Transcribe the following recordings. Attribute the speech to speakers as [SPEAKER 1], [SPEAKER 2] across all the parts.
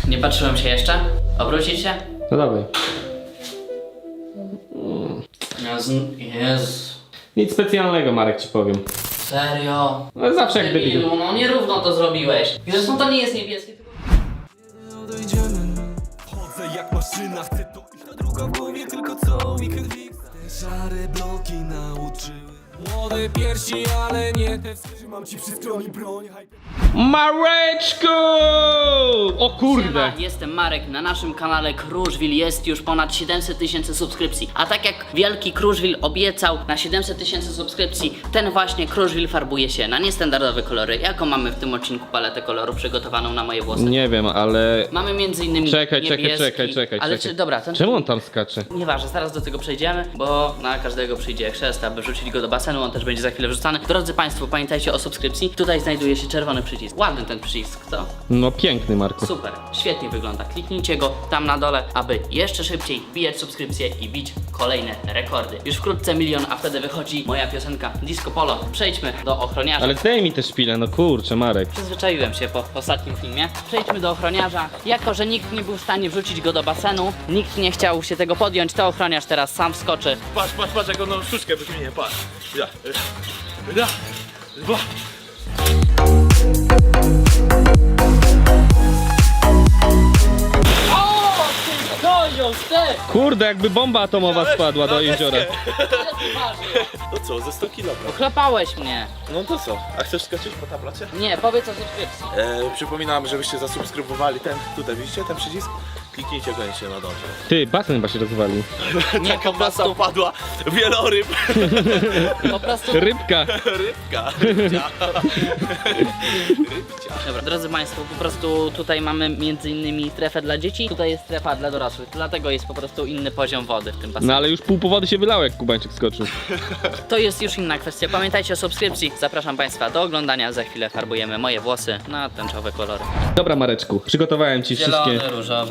[SPEAKER 1] Nie patrzyłem się jeszcze? Obrócić się?
[SPEAKER 2] No dawaj.
[SPEAKER 1] Jezu.
[SPEAKER 2] Nic specjalnego, Marek, ci powiem.
[SPEAKER 1] Serio?
[SPEAKER 2] No zawsze jak debil.
[SPEAKER 1] Debilu, no nierówno to zrobiłeś. Zresztą to nie jest niebieskie, tylko...
[SPEAKER 3] Chodzę jak maszyna, chcę to iść na druga w głowie, tylko co mi krwi. Te szare bloki nauczyły. Młode piersi, ale nie te. Trzymam ci przy skroni broń.
[SPEAKER 2] Mareczku! O kurde!
[SPEAKER 1] Siema, jestem Marek, na naszym kanale Kruszwil jest już ponad 700 000 subskrypcji. A tak jak wielki Kruszwil obiecał na 700 000 subskrypcji, ten właśnie Kruszwil farbuje się na niestandardowe kolory. Jaką mamy w tym odcinku paletę kolorów przygotowaną na moje włosy?
[SPEAKER 2] Nie wiem, ale...
[SPEAKER 1] Mamy między innymi
[SPEAKER 2] Czekaj.
[SPEAKER 1] Ale czy, dobra, ten...
[SPEAKER 2] Czemu on tam skacze?
[SPEAKER 1] Nieważne, zaraz do tego przejdziemy, bo na każdego przyjdzie chrzest, aby wrzucić go do basenu, on też będzie za chwilę wrzucany. Drodzy Państwo, pamiętajcie o subskrypcji. Tutaj znajduje się czerwony przycisk. Ładny ten przycisk, co?
[SPEAKER 2] No piękny, Marku.
[SPEAKER 1] Super, świetnie wygląda. Kliknijcie go tam na dole, aby jeszcze szybciej wbijać subskrypcje i bić kolejne rekordy. Już wkrótce 1 000 000, a wtedy wychodzi moja piosenka Disco Polo. Przejdźmy do ochroniarza.
[SPEAKER 2] Ale daj mi te szpile, no kurczę, Marek.
[SPEAKER 1] Przyzwyczaiłem się po ostatnim filmie. Przejdźmy do ochroniarza. Jako że nikt nie był w stanie wrzucić go do basenu, nikt nie chciał się tego podjąć, to ochroniarz teraz sam wskoczy.
[SPEAKER 4] Patrz, jak ono sztuczkę wyśmieje, patrz. Ja. Dwa.
[SPEAKER 2] Kurde, jakby bomba atomowa spadła do jeziora.
[SPEAKER 4] To co, ze 100 kg?
[SPEAKER 1] Chlapałeś mnie.
[SPEAKER 4] No to co? A chcesz skoczyć po tablacie?
[SPEAKER 1] Nie, powiedz o subskrypcji.
[SPEAKER 4] Przypominam, żebyście zasubskrybowali ten, tutaj widzicie ten przycisk? Kliknijcie koniecznie na dole.
[SPEAKER 2] Ty, basen chyba się rozwalił.
[SPEAKER 1] Nie, po
[SPEAKER 4] Masa
[SPEAKER 1] prostu,
[SPEAKER 4] padła, wieloryb,
[SPEAKER 1] po prostu...
[SPEAKER 2] Rybka.
[SPEAKER 4] rybcia.
[SPEAKER 1] Dobra, drodzy Państwo, po prostu tutaj mamy między innymi strefę dla dzieci, tutaj jest strefa dla dorosłych, dlatego jest po prostu inny poziom wody w tym basenie.
[SPEAKER 2] No ale już pół powody się wylało, jak Kubańczyk skoczył.
[SPEAKER 1] To jest już inna kwestia, pamiętajcie o subskrypcji. Zapraszam Państwa do oglądania, za chwilę farbujemy moje włosy na tęczowe kolory.
[SPEAKER 2] Dobra, Mareczku, przygotowałem ci wszystkie...
[SPEAKER 1] Zielony,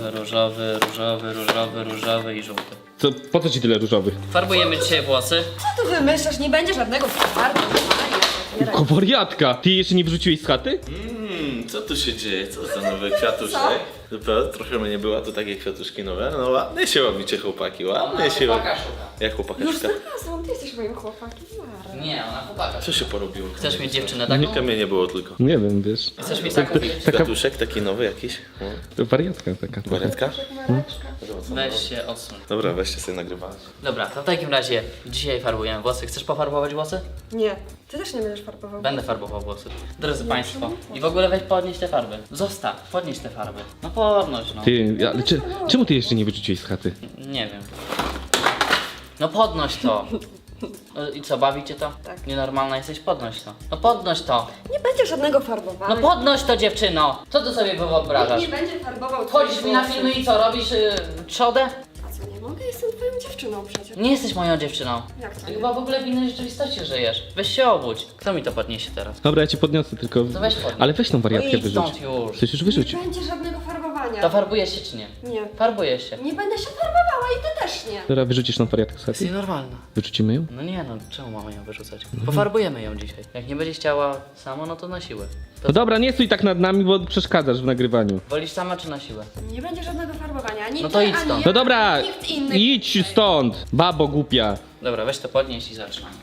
[SPEAKER 1] różowy i żółty.
[SPEAKER 2] Co, po co ci tyle różowych?
[SPEAKER 1] Farbujemy dzisiaj włosy.
[SPEAKER 5] Co tu wymyślasz? Nie będzie żadnego farbu.
[SPEAKER 2] Ko wariatka! Ty jeszcze nie wrzuciłeś z chaty?
[SPEAKER 4] Co tu się dzieje? Co za nowy kwiatuszek? Dopiero trochę mnie była, to takie kwiatuszki nowe. No ładnie się robicie, chłopaki, ładnie się robi. Jak chłopaka
[SPEAKER 5] Już
[SPEAKER 4] szuka?
[SPEAKER 5] znalazłam, ty jesteś moim chłopakiem. Mara.
[SPEAKER 1] Nie, ona chłopaka.
[SPEAKER 4] Co się porobiło?
[SPEAKER 1] Chcesz mieć dziewczynę taką?
[SPEAKER 4] Nigdy mnie nie było tylko.
[SPEAKER 2] Nie wiem, wiesz.
[SPEAKER 1] Chcesz mieć taką?
[SPEAKER 2] Taka
[SPEAKER 4] Kwiatuszek taki nowy jakiś?
[SPEAKER 2] wariatka taka.
[SPEAKER 4] Wariatka?
[SPEAKER 1] Weź się odsuń.
[SPEAKER 4] Dobra, weźcie sobie nagrywać.
[SPEAKER 1] Dobra, to w takim razie dzisiaj farbujemy włosy. Chcesz pofarbować włosy?
[SPEAKER 5] Nie, ty też nie będziesz farbował.
[SPEAKER 1] Będę farbował włosy. Drodzy Państwo, i w ogóle weź podnieś te farby. Zostaw, podnieś te farby. No podnoś, no.
[SPEAKER 2] Ty, ale czemu ty jeszcze nie wyrzuciłeś z chaty?
[SPEAKER 1] Nie wiem. No podnoś to. No i co, bawi cię to?
[SPEAKER 5] Tak.
[SPEAKER 1] Nienormalna jesteś? Podnoś to. No podnoś to.
[SPEAKER 5] Nie będzie żadnego farbowania.
[SPEAKER 1] No podnoś to, dziewczyno. Co ty sobie wyobrażasz?
[SPEAKER 5] Nie będzie farbował
[SPEAKER 1] Wchodzisz
[SPEAKER 5] twoich
[SPEAKER 1] mi na
[SPEAKER 5] włosów.
[SPEAKER 1] filmy i co, robisz trzodę?
[SPEAKER 5] A co, nie mogę? Jestem twoją dziewczyną przecież.
[SPEAKER 1] Nie jesteś moją dziewczyną.
[SPEAKER 5] Jak to
[SPEAKER 1] Ty
[SPEAKER 5] nie?
[SPEAKER 1] chyba w ogóle w innej rzeczywistości żyjesz. Weź się obudź. Kto mi to podniesie teraz?
[SPEAKER 2] Dobra, ja cię podniosę, tylko...
[SPEAKER 1] To weź podnieś.
[SPEAKER 2] Ale weź tą
[SPEAKER 1] No
[SPEAKER 2] wariatkę
[SPEAKER 1] idź
[SPEAKER 2] wyrzuć.
[SPEAKER 1] stąd już.
[SPEAKER 2] Chcesz już wyrzucić?
[SPEAKER 5] Nie będzie żadnego farbowania.
[SPEAKER 1] To farbujesz się czy nie?
[SPEAKER 5] Nie.
[SPEAKER 1] Farbujesz się.
[SPEAKER 5] Nie będę się farbowała i ty też nie.
[SPEAKER 2] Dobra, wyrzucisz tą wariatkę z
[SPEAKER 1] Jest
[SPEAKER 2] chaty?
[SPEAKER 1] nienormalna.
[SPEAKER 2] Wyrzucimy ją?
[SPEAKER 1] No nie no, czemu mamy ją wyrzucać? Pofarbujemy ją dzisiaj. Jak nie będzie chciała sama, no to na siłę.
[SPEAKER 2] No dobra, nie stój tak nad nami, bo przeszkadzasz w nagrywaniu.
[SPEAKER 1] Wolisz sama czy na siłę?
[SPEAKER 5] Nie będzie żadnego farbowania. Ani
[SPEAKER 1] No
[SPEAKER 5] ty,
[SPEAKER 1] to idź
[SPEAKER 5] ani
[SPEAKER 1] stąd.
[SPEAKER 5] ja,
[SPEAKER 2] No dobra,
[SPEAKER 5] ani nikt inny.
[SPEAKER 2] idź stąd, babo głupia.
[SPEAKER 1] Dobra, weź to podnieś i zaczynamy.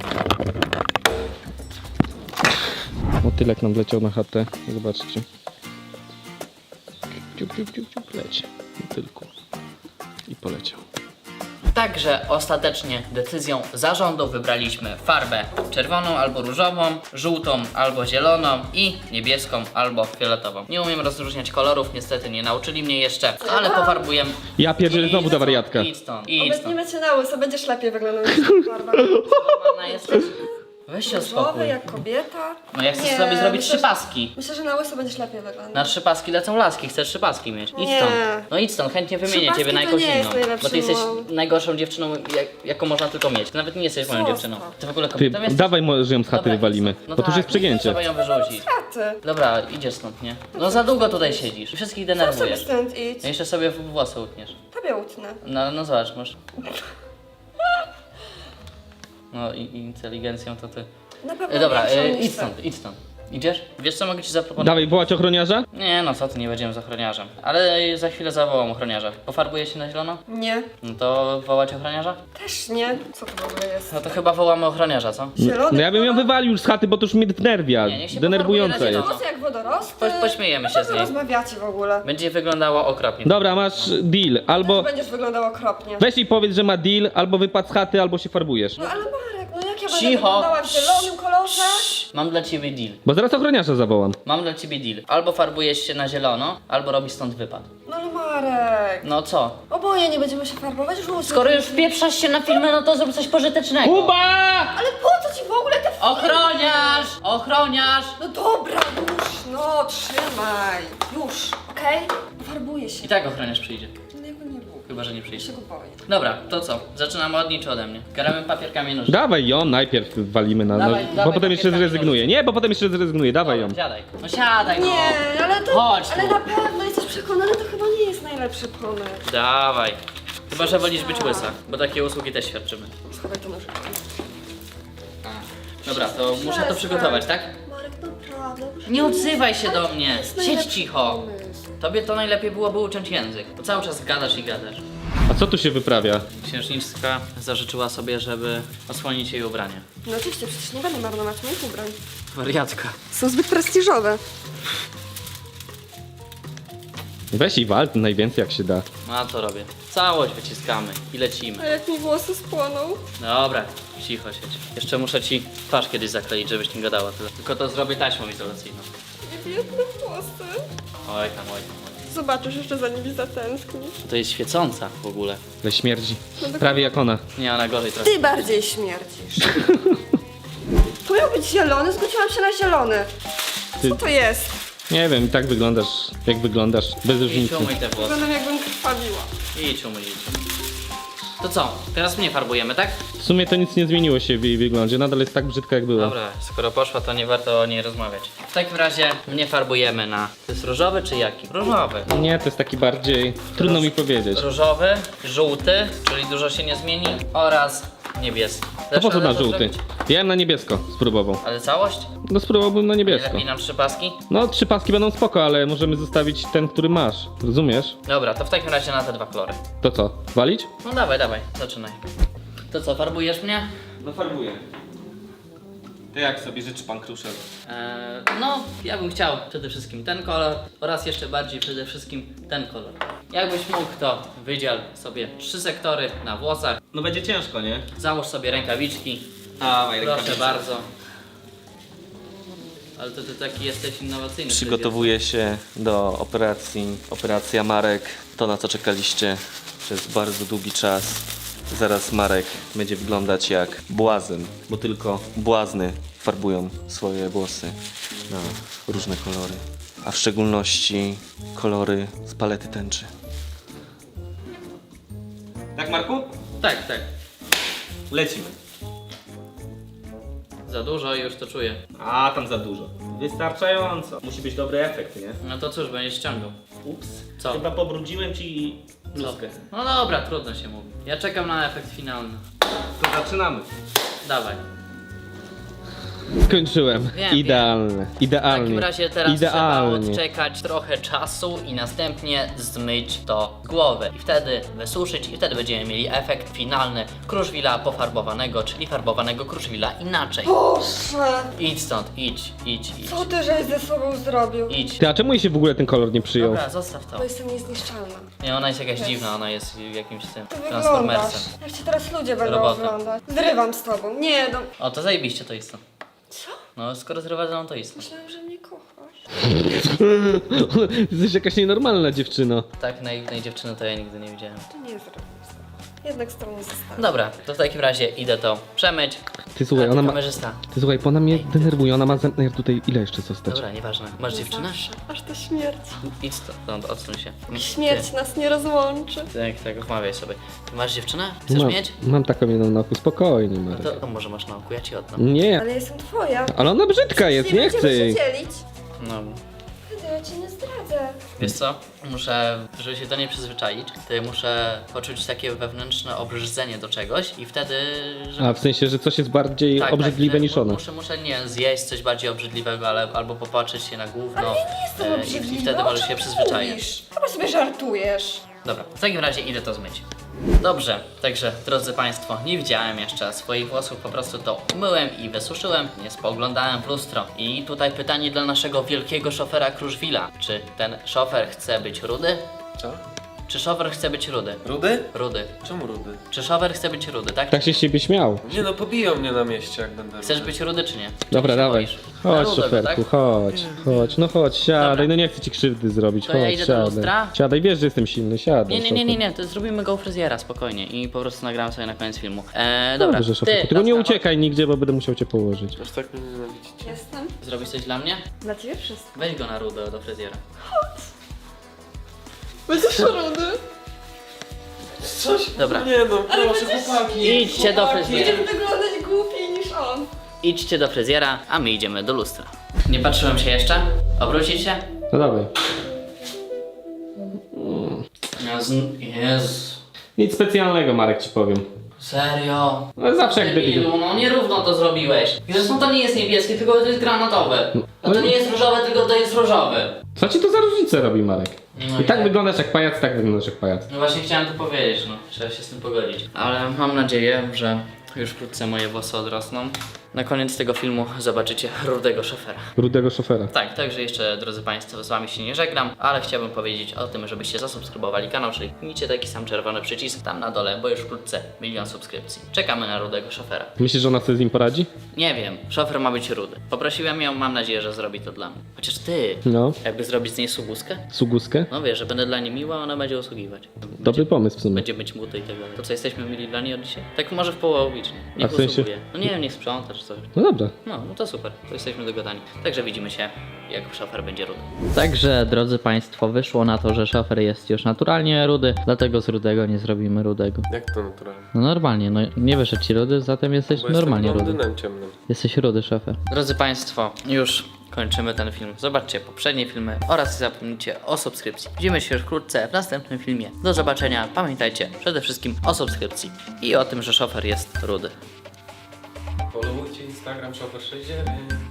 [SPEAKER 2] Motylek nam wleciał na chatę, zobaczcie. Ciup, ciup, ciup, ciup, leci. Motylku. I poleciał.
[SPEAKER 1] Także ostatecznie decyzją zarządu wybraliśmy farbę czerwoną albo różową, żółtą albo zieloną i niebieską albo fioletową. Nie umiem rozróżniać kolorów, niestety nie nauczyli mnie jeszcze, ale pofarbujemy.
[SPEAKER 2] Ja pierdzielę znowu ta wariatka.
[SPEAKER 1] Idź stąd, idź stąd.
[SPEAKER 5] Obecniemy cię na łyso, będziesz lepiej wyglądał niż ta farba.
[SPEAKER 1] Normalna jesteś? Weź się
[SPEAKER 5] Różowy
[SPEAKER 1] uspokój.
[SPEAKER 5] jak kobieta.
[SPEAKER 1] No ja chcę
[SPEAKER 5] Nie,
[SPEAKER 1] sobie zrobić
[SPEAKER 5] myślę,
[SPEAKER 1] 3 paski.
[SPEAKER 5] Myślę, że na łyso będziesz lepiej wyglądał.
[SPEAKER 1] Na 3 paski lecą laski, chcesz 3 paski mieć. Idź
[SPEAKER 5] Nie.
[SPEAKER 1] stąd. No idź stąd, chętnie wymienię
[SPEAKER 5] 3
[SPEAKER 1] ciebie na
[SPEAKER 5] paski
[SPEAKER 1] jakąś
[SPEAKER 5] to nie jest
[SPEAKER 1] inną.
[SPEAKER 5] najlepszy
[SPEAKER 1] Bo ty jesteś
[SPEAKER 5] mąż.
[SPEAKER 1] najgorszą dziewczyną, jaką można tylko mieć. Ty nawet nie jesteś moją
[SPEAKER 5] Zostaw.
[SPEAKER 1] dziewczyną. Ty w ogóle
[SPEAKER 2] Ty,
[SPEAKER 1] kobietą jesteś?
[SPEAKER 2] dawaj może ją z chaty
[SPEAKER 1] Dobra,
[SPEAKER 2] wywalimy,
[SPEAKER 1] idź stąd. No
[SPEAKER 2] bo to już
[SPEAKER 1] tak,
[SPEAKER 2] jest przegięcie.
[SPEAKER 1] Trzeba ją wyrzucić.
[SPEAKER 5] Taty.
[SPEAKER 1] Dobra, idziesz stąd, nie? No za długo tutaj siedzisz. Wszystkich
[SPEAKER 5] Co sobie
[SPEAKER 1] denerwujesz.
[SPEAKER 5] stąd idź?
[SPEAKER 1] No jeszcze sobie włosy utniesz.
[SPEAKER 5] Tobie utnę.
[SPEAKER 1] No zobacz, masz. No i inteligencją to ty.
[SPEAKER 5] Na pewno
[SPEAKER 1] Dobra,
[SPEAKER 5] większą niż
[SPEAKER 1] idź
[SPEAKER 5] ty.
[SPEAKER 1] stąd, idź stąd. Idziesz? Wiesz co mogę ci zaproponować?
[SPEAKER 2] Dawaj, wołać ochroniarza?
[SPEAKER 1] Nie no co ty, nie będziemy z ochroniarzem. Ale za chwilę zawołam ochroniarza. Pofarbuje się na zielono?
[SPEAKER 5] Nie.
[SPEAKER 1] No to wołać ochroniarza?
[SPEAKER 5] Też nie. Co to w ogóle jest?
[SPEAKER 1] No to chyba wołamy ochroniarza, co?
[SPEAKER 5] Zielony
[SPEAKER 2] No ja bym ją wywalił już z chaty, bo to już mnie wnerwia.
[SPEAKER 1] Nie, niech się
[SPEAKER 2] Denerwujące
[SPEAKER 1] pofarbuje na
[SPEAKER 2] jest.
[SPEAKER 1] zielono.
[SPEAKER 5] Włosy jak wodorosty.
[SPEAKER 1] Pośmiejemy się z
[SPEAKER 5] Co
[SPEAKER 1] niej.
[SPEAKER 5] rozmawiacie w ogóle?
[SPEAKER 1] Będzie wyglądało okropnie.
[SPEAKER 2] Dobra, masz deal. Albo
[SPEAKER 5] Będziesz wyglądał okropnie.
[SPEAKER 2] weź i powiedz, że ma deal, albo wypad z chaty, albo się farbujesz.
[SPEAKER 5] No ale Marek, no jak ja będę
[SPEAKER 1] Cicho.
[SPEAKER 5] wyglądała w zielonym kolorze?
[SPEAKER 1] Mam dla ciebie deal.
[SPEAKER 2] Bo zaraz ochroniarza zawołam.
[SPEAKER 1] Mam dla ciebie deal. Albo farbujesz się na zielono, albo robisz stąd wypad.
[SPEAKER 5] No ale Marek.
[SPEAKER 1] No co?
[SPEAKER 5] Oboje nie będziemy się farbować, już
[SPEAKER 1] Skoro już wpieprzasz się na filmy, no to zrób coś pożytecznego.
[SPEAKER 2] Kuba!
[SPEAKER 5] Ale po co ci w ogóle te filmy?
[SPEAKER 1] Ochroniarz! Ochroniarz!
[SPEAKER 5] No dobra, już, no trzymaj. Już, okej? Farbuję się.
[SPEAKER 1] I tak ochroniarz przyjdzie.
[SPEAKER 5] No jakby nie było.
[SPEAKER 1] Chyba, że nie przyjdzie.
[SPEAKER 5] Się go boję.
[SPEAKER 1] Dobra, to co? Zaczynamy od niej czy ode mnie? Gramy papier, kamień, nożyce.
[SPEAKER 2] Dawaj ją, najpierw walimy na
[SPEAKER 1] Dawaj,
[SPEAKER 2] bo
[SPEAKER 1] dawaj,
[SPEAKER 2] potem jeszcze
[SPEAKER 1] papier,
[SPEAKER 2] zrezygnuje. Nie, bo potem jeszcze zrezygnuje, dawaj ją.
[SPEAKER 1] Dobra, siadaj. No siadaj, no.
[SPEAKER 5] Nie, ale to...
[SPEAKER 1] Chodź
[SPEAKER 5] ale
[SPEAKER 1] tu.
[SPEAKER 5] na pewno jesteś przekonany, to chyba nie jest najlepszy pomysł.
[SPEAKER 1] Dawaj. Chyba, że wolisz być łysa, bo takie usługi też świadczymy.
[SPEAKER 5] Schowaj to nożyk.
[SPEAKER 1] Dobra, to muszę to przygotować, tak?
[SPEAKER 5] Marek, naprawdę.
[SPEAKER 1] Nie odzywaj się do mnie.
[SPEAKER 5] jest
[SPEAKER 1] Siedź
[SPEAKER 5] najlepszy
[SPEAKER 1] cicho.
[SPEAKER 5] pomysł.
[SPEAKER 1] Tobie to najlepiej byłoby uciąć język, bo cały czas gadasz i gadasz.
[SPEAKER 2] A co tu się wyprawia?
[SPEAKER 1] Księżniczka zażyczyła sobie, żeby osłonić jej ubranie.
[SPEAKER 5] No oczywiście, przecież nie będę marnować moich ubrań.
[SPEAKER 1] Wariatka.
[SPEAKER 5] Są zbyt prestiżowe.
[SPEAKER 2] Weź i wal najwięcej jak się da.
[SPEAKER 1] No a co robię? Całość wyciskamy i lecimy.
[SPEAKER 5] A jak mi włosy spłoną?
[SPEAKER 1] Dobra, cicho siedź. Jeszcze muszę ci twarz kiedyś zakleić, żebyś nie gadała tyle. Tylko to zrobię taśmą izolacyjną.
[SPEAKER 5] Nie biedne włosy.
[SPEAKER 1] Oj tam, oj tam.
[SPEAKER 5] Zobaczysz, jeszcze za nimi zatęsknisz.
[SPEAKER 1] To jest świecąca w ogóle.
[SPEAKER 2] Ale śmierdzi. Prawie jak ona.
[SPEAKER 1] Nie, ona gorzej trochę.
[SPEAKER 5] Ty bardziej śmierdzisz. To miał być zielony, zgodziłam się na zielony.
[SPEAKER 2] Ty-
[SPEAKER 5] Co to jest?
[SPEAKER 2] Nie wiem, i tak wyglądasz, jak wyglądasz, bez
[SPEAKER 1] Idź
[SPEAKER 2] różnicy.
[SPEAKER 1] umyj te włosy.
[SPEAKER 5] Wyglądam jakbym krwawiła.
[SPEAKER 1] Idź umyj. To co? Teraz mnie farbujemy, tak?
[SPEAKER 2] W sumie to nic nie zmieniło się w jej wyglądzie, nadal jest tak brzydka jak była.
[SPEAKER 1] Dobra, skoro poszła, to nie warto o niej rozmawiać. W takim razie mnie farbujemy na... To jest różowy czy jaki? Różowy.
[SPEAKER 2] Nie, to jest taki bardziej... Trudno mi powiedzieć.
[SPEAKER 1] Różowy, żółty, czyli dużo się nie zmieni, oraz niebieski.
[SPEAKER 2] To po co na
[SPEAKER 1] radę to
[SPEAKER 2] żółty?
[SPEAKER 1] zrobić?
[SPEAKER 2] Ja bym na niebiesko spróbował.
[SPEAKER 1] Ale całość?
[SPEAKER 2] No spróbowałbym na
[SPEAKER 1] Nie
[SPEAKER 2] niebiesko.
[SPEAKER 1] lepiej nam 3 paski?
[SPEAKER 2] No 3 paski będą spoko, ale możemy zostawić ten, który masz. Rozumiesz?
[SPEAKER 1] Dobra, to w takim razie na te 2 kolory.
[SPEAKER 2] To co? Walić?
[SPEAKER 1] No dawaj, dawaj, zaczynaj. To co, farbujesz mnie?
[SPEAKER 2] No farbuję. To jak sobie życzy pan Kruszel?
[SPEAKER 1] No, ja bym chciał przede wszystkim ten kolor oraz jeszcze bardziej przede wszystkim ten kolor. Jakbyś mógł, to wydziel sobie 3 sektory na włosach,
[SPEAKER 2] No będzie ciężko, nie?
[SPEAKER 1] załóż sobie rękawiczki,
[SPEAKER 2] Dawaj,
[SPEAKER 1] proszę bardzo. Ale to ty taki jesteś innowacyjny.
[SPEAKER 6] Przygotowuję się do operacji. Operacja Marek, to na co czekaliście przez bardzo długi czas. Zaraz Marek będzie wyglądać jak błazen, bo tylko błazny farbują swoje włosy na różne kolory, a w szczególności kolory z palety tęczy.
[SPEAKER 2] Tak, Marku?
[SPEAKER 1] Tak, tak.
[SPEAKER 2] Lecimy.
[SPEAKER 1] Za dużo i już to czuję.
[SPEAKER 2] A, tam za dużo. Wystarczająco. Musi być dobry efekt, nie?
[SPEAKER 1] No to cóż, będziesz ściągał.
[SPEAKER 2] Ups.
[SPEAKER 1] Co?
[SPEAKER 2] Chyba pobrudziłem ci
[SPEAKER 1] Co?
[SPEAKER 2] bluzkę.
[SPEAKER 1] No dobra, trudno się mówi. Ja czekam na efekt finalny.
[SPEAKER 2] To zaczynamy.
[SPEAKER 1] Dawaj.
[SPEAKER 2] Skończyłem.
[SPEAKER 1] Wiem,
[SPEAKER 2] Idealne.
[SPEAKER 1] W
[SPEAKER 2] Idealnie.
[SPEAKER 1] takim razie teraz
[SPEAKER 2] Idealnie.
[SPEAKER 1] trzeba odczekać trochę czasu i następnie zmyć to z głowy. I wtedy wysuszyć i wtedy będziemy mieli efekt finalny Kruszwila pofarbowanego, czyli farbowanego Kruszwila inaczej.
[SPEAKER 5] Boże!
[SPEAKER 1] Idź stąd, idź, idź, idź.
[SPEAKER 5] Co ty żeś ze sobą zrobił?
[SPEAKER 1] Idź.
[SPEAKER 2] Ty, a czemu jej się w ogóle ten kolor nie przyjął?
[SPEAKER 1] Dobra, zostaw to.
[SPEAKER 5] Bo jestem niezniszczalna.
[SPEAKER 1] Nie, ona jest jakaś dziwna, ona jest jakimś tym
[SPEAKER 5] Ty wyglądasz.
[SPEAKER 1] transformersem.
[SPEAKER 5] Jak cię teraz ludzie będą
[SPEAKER 1] Robota.
[SPEAKER 5] oglądać. Zrywam z tobą. Nie, no.
[SPEAKER 1] O, to zajebiście to jest to.
[SPEAKER 5] Co?
[SPEAKER 1] No, skoro zrywasz, to jest to.
[SPEAKER 5] Myślałam, że mnie kochasz.
[SPEAKER 2] Jesteś jakaś nienormalna dziewczyno.
[SPEAKER 1] Tak naiwnej dziewczyny to ja nigdy nie widziałem.
[SPEAKER 5] To nie jest zrobione. Jednak z tobą zostanę.
[SPEAKER 1] Dobra, to w takim razie idę to przemyć.
[SPEAKER 2] Ty słuchaj,
[SPEAKER 1] A ty
[SPEAKER 2] ona ma...
[SPEAKER 1] kamerzysta.
[SPEAKER 2] Ty słuchaj, bo ona mnie denerwuje, ona ma zamiar tutaj ile jeszcze zostać?
[SPEAKER 1] Dobra, nieważne. Masz dziewczynę?
[SPEAKER 5] Zawsze. Aż to śmierć.
[SPEAKER 1] Idź stąd, odsuń się.
[SPEAKER 5] Śmierć nas nie rozłączy.
[SPEAKER 1] Tak, wmawiaj sobie. Ty masz dziewczynę? Chcesz mieć?
[SPEAKER 2] Mam taką jedną na oku, spokojnie
[SPEAKER 1] No
[SPEAKER 2] Marek.
[SPEAKER 1] to może masz na oku, ja ci oddam.
[SPEAKER 2] Nie,
[SPEAKER 5] Ale jestem twoja.
[SPEAKER 2] ale ona brzydka jest, nie
[SPEAKER 5] będziemy
[SPEAKER 2] chcę jej.
[SPEAKER 5] się dzielić.
[SPEAKER 1] No.
[SPEAKER 5] Wtedy ja cię nie zdradzę.
[SPEAKER 1] Wiesz co? Muszę, żeby się do niej przyzwyczaić, to muszę poczuć takie wewnętrzne obrzydzenie do czegoś i wtedy... Żeby...
[SPEAKER 2] A w sensie, że coś jest bardziej obrzydliwe
[SPEAKER 1] wtedy
[SPEAKER 2] niż ona.
[SPEAKER 1] Muszę nie zjeść coś bardziej obrzydliwego, albo popatrzeć się na gówno.
[SPEAKER 5] Ale ja nie jestem obrzydliwa.
[SPEAKER 1] I wtedy może się przyzwyczaić.
[SPEAKER 5] Chyba sobie żartujesz.
[SPEAKER 1] Dobra, w takim razie idę to zmyć. Dobrze, także drodzy Państwo, nie widziałem jeszcze swoich włosów, po prostu to umyłem i wysuszyłem, nie spoglądałem w lustro. I tutaj pytanie dla naszego wielkiego szofera Kruszwila. Czy ten szofer chce być rudy?
[SPEAKER 7] Co?
[SPEAKER 1] Czy szofer chce być rudy?
[SPEAKER 7] Rudy?
[SPEAKER 1] Rudy.
[SPEAKER 7] Czemu rudy?
[SPEAKER 1] Czy szofer chce być rudy, tak?
[SPEAKER 2] Tak się z ciebie śmiał.
[SPEAKER 7] Nie no, pobiją mnie na mieście, jak będę
[SPEAKER 1] Chcesz
[SPEAKER 7] rudy.
[SPEAKER 1] być rudy czy nie? Czy
[SPEAKER 2] Dobra,
[SPEAKER 1] się
[SPEAKER 2] dawaj.
[SPEAKER 1] boisz? Na
[SPEAKER 2] Chodź,
[SPEAKER 1] rudego,
[SPEAKER 2] szoferku,
[SPEAKER 1] tak?
[SPEAKER 2] chodź, no chodź, siadaj,
[SPEAKER 1] Dobra.
[SPEAKER 2] no nie chcę ci krzywdy zrobić,
[SPEAKER 1] To
[SPEAKER 2] chodź,
[SPEAKER 1] ja idę do
[SPEAKER 2] siadaj.
[SPEAKER 1] lustra?
[SPEAKER 2] Siadaj, wiesz, że jestem silny, siadaj.
[SPEAKER 1] Nie, to zrobimy go u fryzjera spokojnie i po prostu nagramy sobie na koniec filmu. Dobra,
[SPEAKER 2] Dobrze, szoferku, tylko nie
[SPEAKER 1] laska,
[SPEAKER 2] uciekaj nigdzie, bo będę musiał cię położyć.
[SPEAKER 7] Aż tak mnie nienawidzicie.
[SPEAKER 5] Jestem.
[SPEAKER 1] chodź. Zrobisz coś dla mnie?
[SPEAKER 5] Dla ciebie wszystko.
[SPEAKER 1] Weź go na rudę do fryzjera.
[SPEAKER 5] Będziesz rudy.
[SPEAKER 7] Coś?
[SPEAKER 1] Dobra.
[SPEAKER 7] Nie no, proszę, chłopaki.
[SPEAKER 1] Idźcie do fryzjera.
[SPEAKER 5] Będziesz wyglądać głupiej niż on.
[SPEAKER 1] Idźcie do fryzjera, a my idziemy do lustra. Nie patrzyłem się jeszcze? Obrócić się?
[SPEAKER 2] No dawaj.
[SPEAKER 1] Jezu.
[SPEAKER 2] Nic specjalnego, Marek, ci powiem.
[SPEAKER 1] Serio?
[SPEAKER 2] No zawsze jak debil.
[SPEAKER 1] Debilu, no nierówno to zrobiłeś. I zresztą to nie jest niebieskie, tylko to jest granatowe. No to nie jest różowe, tylko to jest różowy.
[SPEAKER 2] Co ci to za różnicę robi, Marek?
[SPEAKER 1] No
[SPEAKER 2] I tak
[SPEAKER 1] nie.
[SPEAKER 2] wyglądasz jak pajac, tak wyglądasz jak pajac.
[SPEAKER 1] No właśnie chciałem to powiedzieć, no. Trzeba się z tym pogodzić. Ale mam nadzieję, że już wkrótce moje włosy odrosną. Na koniec tego filmu zobaczycie rudego szofera.
[SPEAKER 2] Rudego szofera.
[SPEAKER 1] Tak, także jeszcze, drodzy Państwo, z Wami się nie żegnam, ale chciałbym powiedzieć o tym, żebyście zasubskrybowali kanał, czyli kliknijcie taki sam czerwony przycisk tam na dole, bo już wkrótce 1 000 000 subskrypcji. Czekamy na rudego szofera.
[SPEAKER 2] Myślisz, że ona sobie z nim poradzi?
[SPEAKER 1] Nie wiem, szofer ma być rudy. Poprosiłem ją, mam nadzieję, że zrobi to dla mnie. Chociaż ty,
[SPEAKER 2] No.
[SPEAKER 1] jakby zrobić z niej sługuskę?
[SPEAKER 2] Suguskę?
[SPEAKER 1] No wiesz, że będę dla niej miła, a ona będzie usługiwać.
[SPEAKER 2] Dobry pomysł w sumie.
[SPEAKER 1] Będzie myć muty i tak dalej. To co, jesteśmy mili dla niej od dzisiaj? Tak może w połowicznie. Niech
[SPEAKER 2] A w sensie?
[SPEAKER 1] usługuje. No nie wiem, niech sprząta czy coś.
[SPEAKER 2] No dobra.
[SPEAKER 1] No to super, to jesteśmy dogadani. Także widzimy się, jak szofer będzie rudy. Także, drodzy Państwo, wyszło na to, że szofer jest już naturalnie rudy, dlatego z rudego nie zrobimy rudego.
[SPEAKER 7] Jak to naturalnie?
[SPEAKER 1] No normalnie, no nie wyszedł ci rudy, zatem jesteś
[SPEAKER 7] Bo
[SPEAKER 1] normalnie
[SPEAKER 7] jestem
[SPEAKER 1] rudy.
[SPEAKER 7] blondynem ciemnym.
[SPEAKER 1] Jesteś rudy, szofer. Drodzy Państwo, już kończymy ten film. Zobaczcie poprzednie filmy oraz nie zapomnijcie o subskrypcji. Widzimy się już wkrótce w następnym filmie. Do zobaczenia. Pamiętajcie przede wszystkim o subskrypcji i o tym, że szofer jest rudy.
[SPEAKER 7] Followujcie Instagram Shopper69.